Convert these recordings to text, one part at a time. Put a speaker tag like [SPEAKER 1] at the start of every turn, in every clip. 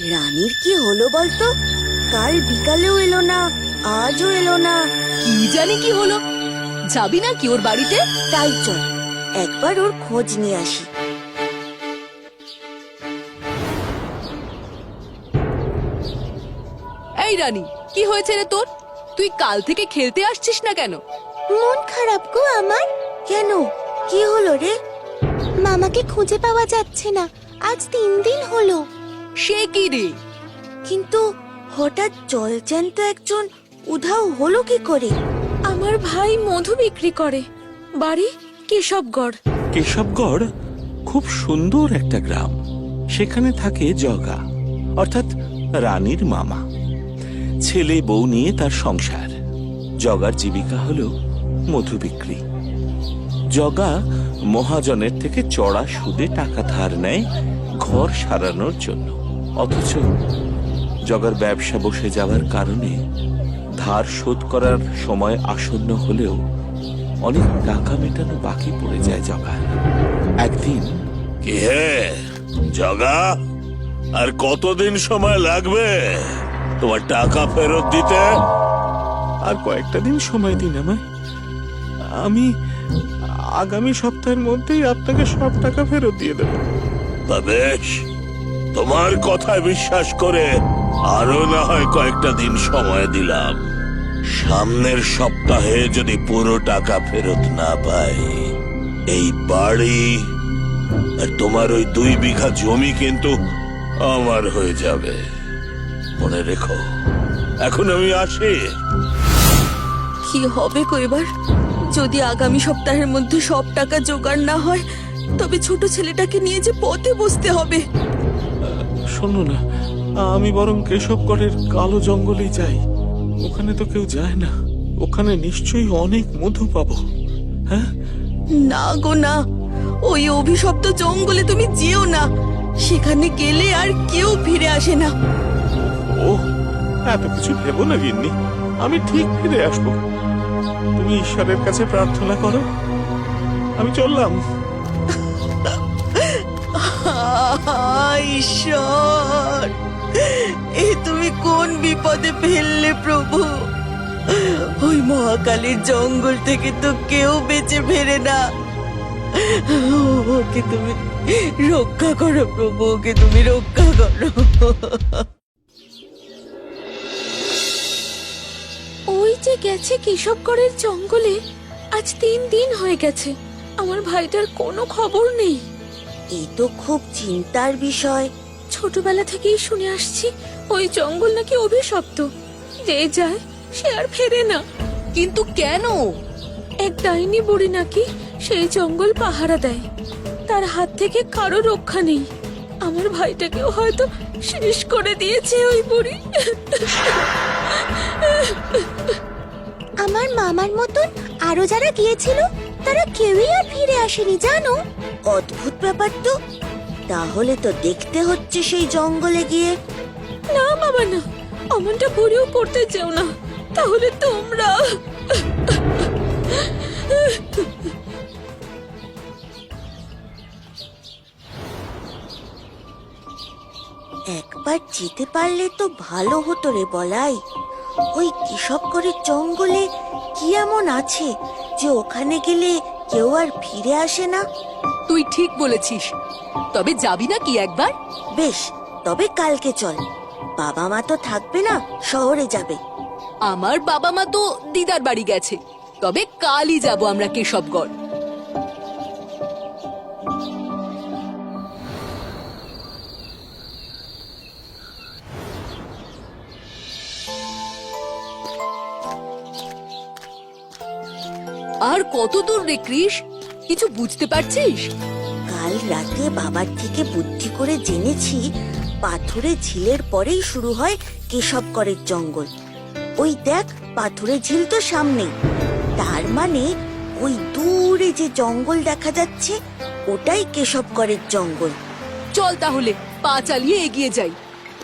[SPEAKER 1] রানীর কি হলো বলতো? কাল বিকালেও এলো না, আজও এলো না।
[SPEAKER 2] কি জানি কি হলো। যাবি না কি ওর বাড়িতে?
[SPEAKER 1] তাই চল একবার ওর খোঁজ নিয়ে আসি।
[SPEAKER 2] এই রানী, কি হয়েছে রে তোর? তুই কাল থেকে খেলতে আসছিস না কেন?
[SPEAKER 1] মন খারাপ গো আমার। কেন, কি হলো রে?
[SPEAKER 3] মামাকে খুঁজে পাওয়া যাচ্ছে না, আজ 3 দিন হলো।
[SPEAKER 2] সে কি রে?
[SPEAKER 1] কিন্তু হঠাৎ জলজ্যান্ত একজন উধাও হলো কি করে?
[SPEAKER 4] আমার ভাই মধু বিক্রি করে, বাড়ি কেশবগড়।
[SPEAKER 5] কেশবগড় খুব সুন্দর একটা গ্রাম। সেখানে থাকে জগা, অর্থাৎ রানীর মামা। ছেলে বউ নিয়ে তার সংসার। জগার জীবিকা হলো মধু বিক্রি। জগা মহাজনের থেকে চড়া সুদে টাকা ধার নেয় ঘর সারানোর জন্য। অথচ জগার ব্যবসা বসে যাওয়ার কারণে ধার শোধ করার সময় আসন্ন হলেও অনেক টাকা মেটানো বাকি পড়ে যায় জগার। একদিন,
[SPEAKER 6] কি হে জগা, আর কতদিন সময় লাগবে তোমার টাকা ফেরত দিতে?
[SPEAKER 5] আর কয়েকটা দিন সময় দিন আমায়। আমি আগামী সপ্তাহের মধ্যেই আপনাকে সব টাকা ফেরত দিয়ে দেব।
[SPEAKER 6] তা বেশ, তোমার কথায় বিশ্বাস করে আরো না হয় কয়েকটা দিন সময় দিলাম। সামনের সপ্তাহে যদি পুরো টাকা ফেরত না পাই, এই বাড়ি আর তোমার ওই 2 বিঘা জমি কিন্তু আমার হয়ে যাবে। মনে রেখো। এখন আমি আসি।
[SPEAKER 4] কি হবে গো এবার? যদি আগামী সপ্তাহের মধ্যে সব টাকা জোগাড় না হয়, তবে ছোট ছেলেটাকে নিয়ে যে পথে বসতে হবে।
[SPEAKER 5] শোনো না, আমি বরং কেশবগড়ের কালো জঙ্গলেই যাই। ওখানে তো কেউ যায় না। ওখানে নিশ্চয়ই অনেক মধু পাবো। হ্যাঁ,
[SPEAKER 4] না গো না, ওই অভিশপ্ত জঙ্গলে তুমি যেও না। সেখানে গেলে আর কেউ ফিরে আসে না।
[SPEAKER 5] ও এত কিছু ভেবো না গিন্নি, আমি ঠিক ফিরে আসবো। তুমি ঈশ্বরের কাছে প্রার্থনা করো, আমি চললাম।
[SPEAKER 4] ঈশ্বর, এ তুমি কোন বিপদে ফেললে প্রভু? ওই মহাকালীর জঙ্গল থেকে তো কেউ বেঁচে ফেরে না। ওকে তুমি রক্ষা করো প্রভু, ওকে তুমি রক্ষা করো। ওই যে গেছে কেশবগড়ের জঙ্গলে, আজ 3 দিন হয়ে গেছে। আমার ভাইটার কোনো খবর নেই।
[SPEAKER 1] এই তো খুব চিন্তার বিষয়।
[SPEAKER 4] ছোটবেলা থেকেই শুনে আসছি ওই জঙ্গল নাকি অভিশপ্ত, যে যায় সে আর ফেরে না।
[SPEAKER 2] কিন্তু কেন?
[SPEAKER 4] এক ডাইনি বুড়ি নাকি সেই জঙ্গল পাহারা দেয়, তার হাত থেকে কারো রক্ষা নেই। আমার ভাইটাকেও হয়তো শেষ করে দিয়েছে ওই বুড়ি।
[SPEAKER 3] আমার মামার মতন আরো যারা গিয়েছিল তারা কেউই আর ফিরে আসেনি জানো।
[SPEAKER 1] অদ্ভুত ব্যাপার তো। তাহলে তো দেখতে হচ্ছে সেই জঙ্গলে গিয়ে।
[SPEAKER 4] না বাবা না, অমনটা বুড়িও করতে চেও না, তাহলে তোমরা।
[SPEAKER 1] একবার যেতে পারলে তো ভালো হতো রে বলাই। ওই কেশবগড়ের জঙ্গলে কি এমন আছে যে ওখানে গেলে কেউ আর ফিরে আসে না?
[SPEAKER 2] তুই ঠিক বলেছিস। তবে যাবি না কি একবার?
[SPEAKER 1] বেশ, তবে কালকে চল। বাবা মা তো থাকবে না, শহরে যাবে।
[SPEAKER 2] আমার বাবা মা তো দিদার বাড়ি গেছে। তবে কালই যাব আমরা কেশবগড়। আর কত দূর রে কৃষ? কিছু বুঝতে পারছিস?
[SPEAKER 1] কাল রাতে বাবার থেকে বুদ্ধি করে জেনেছি পাথুরে ঝিলের পরেই শুরু হয় কেশবগড়ের জঙ্গল। ওই দেখ, পাথুরে ঝিল তো সামনেই। তার মানে ওই দূরে যে জঙ্গল দেখা যাচ্ছে ওটাই কেশবগড়ের জঙ্গল।
[SPEAKER 2] চল তাহলে পা চালিয়ে এগিয়ে যাই।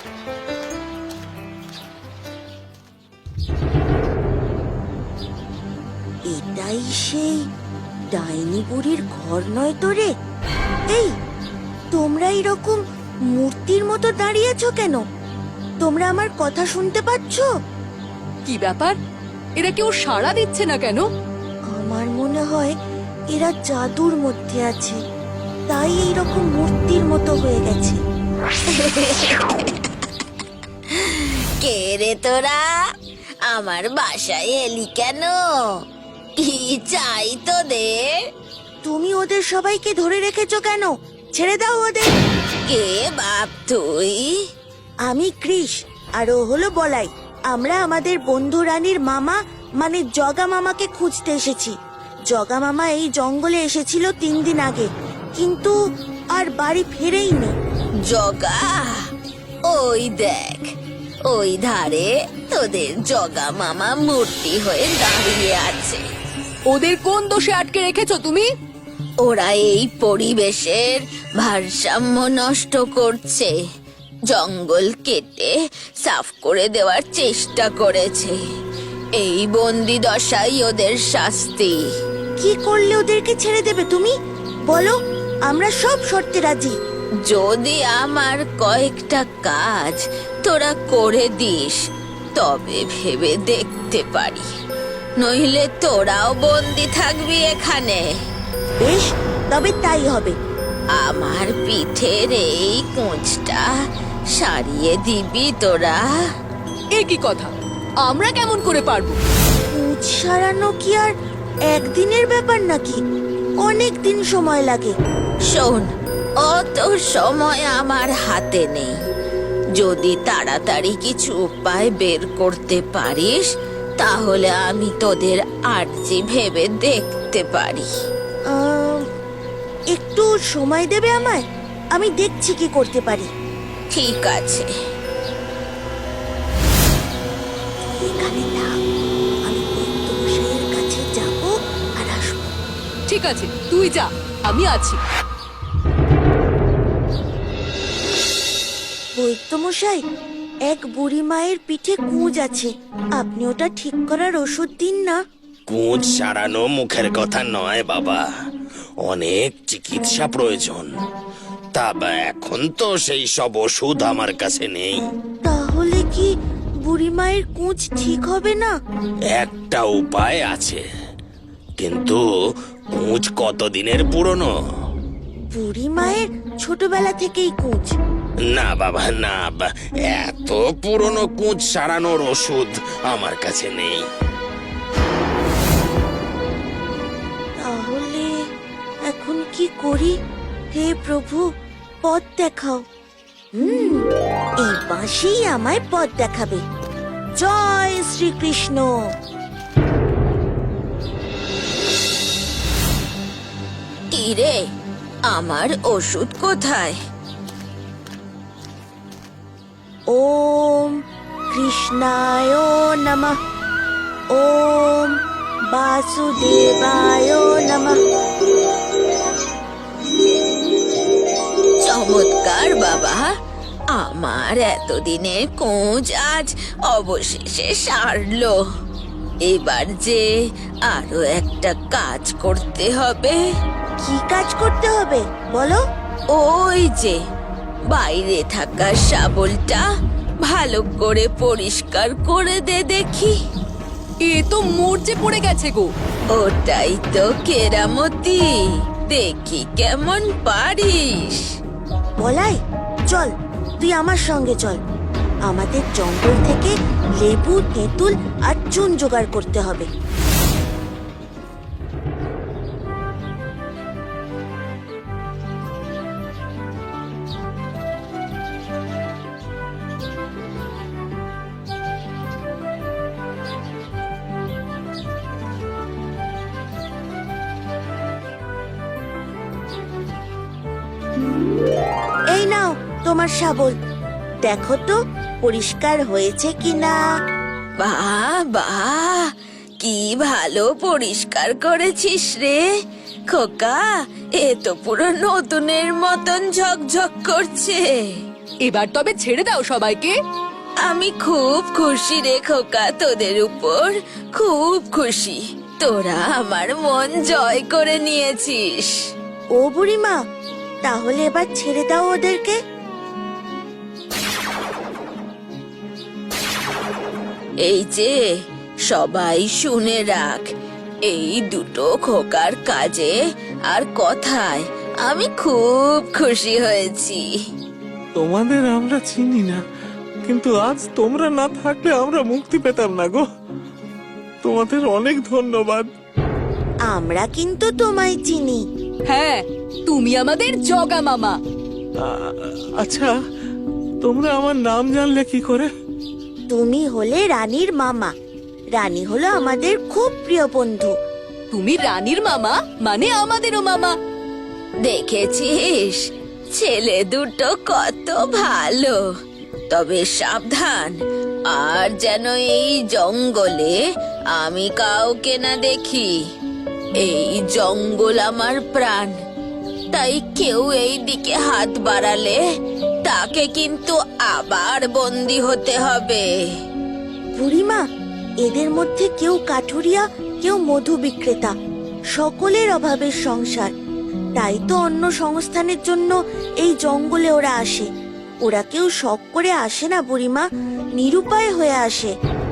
[SPEAKER 1] এটাই সেই ডাইনি বুড়ির ঘর নয় তো রে? এই, তোমরা এরকম মূর্তির মতো দাঁড়িয়ে আছো কেন? তোমরা আমার কথা শুনতে পাচ্ছ?
[SPEAKER 2] কি ব্যাপার, এরা কেউ সাড়া দিচ্ছে না কেন?
[SPEAKER 1] আমার মনে হয় এরা জাদুর মধ্যে আছে, তাই এইরকম মূর্তির মতো হয়ে গেছে।
[SPEAKER 3] কে রে তোরা? আমার বাসায় এলি কেন? কি চাই তোদের?
[SPEAKER 1] তুমি ওদের সবাইকে ধরে রেখেছো কেন? ছেড়ে দাও ওদের।
[SPEAKER 3] কে বাপ তুই?
[SPEAKER 1] আমি কৃষ, আর ও হলো বলাই। আমরা আমাদের বন্ধু রানীর মামা মানে জগা মামাকে খুঁজতে এসেছি। জগা মামা এই জঙ্গলে এসেছিল 3 দিন আগে, কিন্তু আর বাড়ি ফেরেইনি।
[SPEAKER 3] জগা? ওই দেখ, ওই ধারে তোদের জগা মামা মূর্তি হয়ে দাঁড়িয়ে আছে।
[SPEAKER 2] ওদের কোন দোষে আটকে রেখেছো তুমি?
[SPEAKER 3] ওরা এই পরিবেশের ভারসাম্য নষ্ট করছে। জঙ্গল কেটে সাফ করে দেওয়ার চেষ্টা করেছে। এই বন্দি দশাই ওদের শাস্তি।
[SPEAKER 1] কি করলে ওদেরকে ছেড়ে দেবে তুমি? বলো, আমরা সব শর্তে রাজি।
[SPEAKER 3] যদি আমার কয়েকটা কাজ তোরা করে দিস তবে ভেবে দেখতে পারি, নইলে তোরাও বন্দি থাকবি এখানে।
[SPEAKER 1] বেশ, তবে তাই হবে।
[SPEAKER 3] আমার পিঠের এই কোঁচটা সারিয়ে দিবি তোরা?
[SPEAKER 2] এ কি কথা, আমরা কেমন করে পারবো?
[SPEAKER 1] কুচ সারানো কি আর একদিনের ব্যাপার নাকি? অনেক দিন সময় লাগে।
[SPEAKER 3] শোন, অত সময় আমার হাতে নেই। যদি তাড়াতাড়ি কিছু উপায় বের করতে পারিস তাহলে আমি তোদের আর্জি ভেবে দেখতে পারি।
[SPEAKER 1] একটু সময় দেবে আমায়? আমি দেখছি কি করতে পারি।
[SPEAKER 3] ঠিক আছে।
[SPEAKER 1] এখানে থাক, আমি বৈদ্যমশাইয়ের কাছে যাব আর আসবো।
[SPEAKER 2] ঠিক আছে, তুই যা, আমি আছি।
[SPEAKER 1] বৈদ্যমশাই, এক বুড়ি মায়ের পিঠে কুঁজ আছে, আপনি ওটা ঠিক করার ওষুধ দিন না।
[SPEAKER 6] কুঁজ সারানো মুখের কথা নয় বাবা, অনেক চিকিৎসা প্রয়োজন। তা এখন তো সেই সব ওষুধ আমার কাছে নেই।
[SPEAKER 1] তাহলে কি বুড়ি মায়ের কুঁজ ঠিক হবে না?
[SPEAKER 6] একটা উপায় আছে, কিন্তু কুঁজ কতদিনের পুরনো?
[SPEAKER 1] বুড়ি মায়ের ছোটবেলা থেকেই কুঁজ।
[SPEAKER 6] না বাবা না, এত পুরনো কুঁজ সারানোর ওষুধ আমার কাছে নেই।
[SPEAKER 1] তাহলে এখন কি করি? হে প্রভু, পথ দেখাও। এই বাঁশি আমায় পথ দেখাবে। জয় শ্রীকৃষ্ণ।
[SPEAKER 3] কি রে, আমার ওষুধ কোথায়?
[SPEAKER 1] ওম কৃষ্ণায় নমঃ। ওম বাসুদেবায় নমঃ।
[SPEAKER 3] চমৎকার বাবা, আমার এতদিনের কোঁজ আজ অবশেষে সারলো। এবার যে আরো একটা কাজ করতে হবে।
[SPEAKER 1] কি কাজ করতে হবে বলো?
[SPEAKER 3] ওই যে বাইরে থাকা শাবলটা ভালো করে পরিষ্কার করে দে দেখি।
[SPEAKER 2] এ তো মরচে পড়ে গেছে গো।
[SPEAKER 3] ওটাই তো কেরামতি, দেখি কেমন পারিস।
[SPEAKER 1] বলাই, চল তুই আমার সঙ্গে চল। আমাদের জঙ্গল থেকে লেবু, তেঁতুল আর চুন জোগাড় করতে হবে। এই নাও তোমার শাবল, দেখো তো পরিষ্কার হয়েছে কিনা।
[SPEAKER 3] বাহ বাহ, কি ভালো পরিষ্কার করেছিস রে খোকা। এ তো পুরো নতুনের মতন ঝকঝক করছে।
[SPEAKER 2] এবার তবে ছেড়ে দাও সবাইকে।
[SPEAKER 3] আমি খুব খুশি রে খোকা, তোদের উপর খুব খুশি। তোরা আমার মন জয় করে নিয়েছিস।
[SPEAKER 1] ও বুড়িমা, তাহলে এবার ছেড়ে দাও ওদেরকে।
[SPEAKER 3] এই যে সবাই শুনে রাখ, এই দুটো খোকার কাজে আর কথায় আমি খুব খুশি হয়েছি।
[SPEAKER 5] তোমাদের আমরা চিনি না, কিন্তু আজ তোমরা না থাকলে আমরা মুক্তি পেতাম না গো। তোমাদের অনেক ধন্যবাদ।
[SPEAKER 1] আমরা কিন্তু তোমায় চিনি।
[SPEAKER 2] হ্যাঁ, তুমি আমাদের জগা মামা।
[SPEAKER 5] আচ্ছা, তোমরা আমার নাম জানলে কি করে?
[SPEAKER 1] তুমি হলে রানীর মামা। রানী হলো আমাদের খুব প্রিয় বন্ধু।
[SPEAKER 2] তুমি রানীর মামা মানে আমাদেরও মামা।
[SPEAKER 3] দেখেছিস, ছেলে দুটো কত ভালো। তবে সাবধান, আর যেন এই জঙ্গলে আমি কাউকে না দেখি। এই জঙ্গল আমার প্রাণ, তাই কেউ এই দিকে হাত বাড়ালে তাকে কিন্তু আবার বন্দি হতে হবে।
[SPEAKER 1] বুড়িমা, এদের মধ্যে কেউ কাঠুরিয়া, কেউ মধু বিক্রেতা, সকলের অভাবের সংসার। তাই তো অন্য সংস্থানের জন্য এই জঙ্গলে ওরা আসে। ওরা কেউ শখ করে আসে না বুড়িমা, নিরুপায় হয়ে আসে।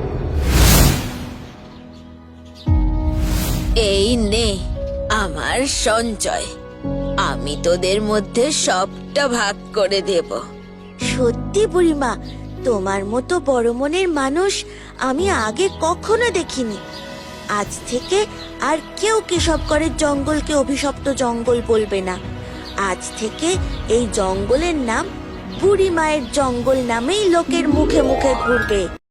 [SPEAKER 3] এই নে আমার সঞ্চয়, আমি তোদের মধ্যে সবটা ভাগ করে দেব।
[SPEAKER 1] সত্যি বুড়িমা, তোমার মতো বড় মনের মানুষ আমি আগে কখনো দেখিনি। আজ থেকে আর কেউ কেশবগড়ের জঙ্গলকে অভিশপ্ত জঙ্গল বলবে না। আজ থেকে এই জঙ্গলের নাম বুড়ি মায়ের জঙ্গল নামেই লোকের মুখে মুখে ঘুরবে।